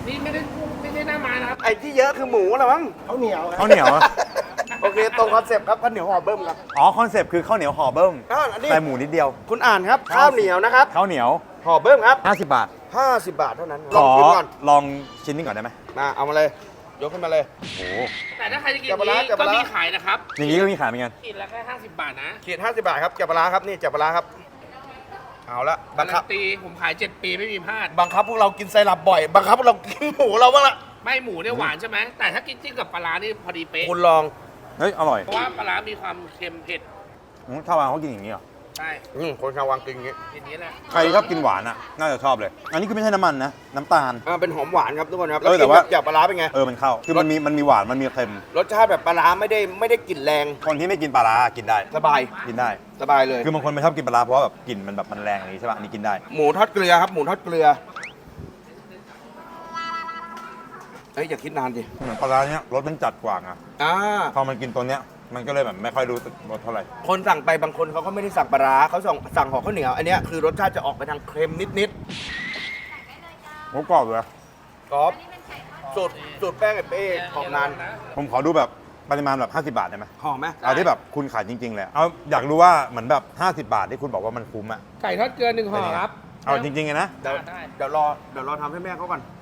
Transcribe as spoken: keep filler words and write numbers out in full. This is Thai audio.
นี่ไม่ได้ไม่ใช่หน้าไม้นะครับไอ้ที่เยอะคือหมูเหรอมั้งข้าวเหนียวข้าวเหนียวอะโอเคตรงคอนเซปต์ครับข้าวเหนียวห่อเบิ้มครับอ๋อคอนเซปต์คือข้าวเหนียวห่อเบิ้มอ้าวอันนี้ใส่หมูนิดเดียวคุณอ่านครับข้าวเหนียวนะครับข้าวเหนียวห่อเบิ้มครับห้าสิบบาทห้าสิบบาทเท่านั้นขลองอชิมก่อนลองชิ้นนี้ก่อนได้ไหมมาเอามาเลย ยกขึ้นมาเลยโอ้แต่ถ้าใครจะกินจับปลาร้านี้จับปก็ลาร้ามีขายนะครับอย่างนี้ก็มีขายเหมือนกันกินละแค่ห้าสิบบาทนะขีดห้าสิบบาทครับจับปลาร้าครับนี่จับปลาร้าครับ เอาละบักางคัรับนตีผมขายเจ็ดปีไม่มีพลาดบังคับพวกเรากินไซรัปบ่อย บังคับพวกเรากินหมูเราบ้างละไม่หมูเนี่ยหวานใช่ไหมแต่ถ้ากินจิ้มกับปลาร้านี่พอดีเป๊ะคุณลองเฮ้ยอร่อยเพราะว่าปลาร้ามีความเค็มเผ็ดอืมชาวบ้านเขากินอย่างนี้เหรอใช่อืมคนชาววังกินอย่างงี้ทีนี้แหละใครชอบกินหวานอ่ะน่าจะชอบเลย อันนี้คือไม่ใช่น้ำมันนะน้ำตาลอ่าเป็นหอมหวานครับทุกคนครับเออแต่กินว่ากับจับปลาร้าเป็นไงเออมันเข้าคือมันมีมันมีหวานมันมีเค็มรสชาติแบบปลาร้าไม่ได้ไม่ได้กลิ่นแรงคนที่ไม่กินปลาร้ากินได้สบายกินได้สบายเลยคือบางคนไม่ชอบกินปลาร้าเพราะว่าแบบกลิ่นมันแบบมันแรงอย่างนี้ใช่ป่ะอันนี้กินได้หมูทอดเกลือครับหมูทอดเกลือเอ้ยอย่าคิดนานดิเหมือนปลาร้าเนี้ยรสมันจัดกว่าไงอ่าพอมันกินตัวเนี้ยมันก็เลยแบบไม่ค่อยรู้สึกรสเท่าไหร่คนสั่งไปบางคนเขาก็ไม่ได้สั่งปลาร้าเขาสั่งสั่งห่อข้าวเหนียวอันเนี้ยคือรสชาติจะออกไปทางเค็มนิดหมูกรอบเลยๆกรอบสูตรสูตรแป้งไอ้เป้ของนานผมขอดูแบบปริมาณแบบห้าสิบบาทได้ไหมหอมไหมเอาที่แบบคุณขายจริงๆเลยเอาอยากรู้ว่าเหมือนแบบห้าสิบบาทที่คุณบอกว่ามันคุ้มอะไก่ทอดเกลือหนึ่งห่อครับเอาจริงๆไงนะเดี๋ยวได้เดี๋ยวรอเดี๋ยวรอทำให้แม่เขาก่อน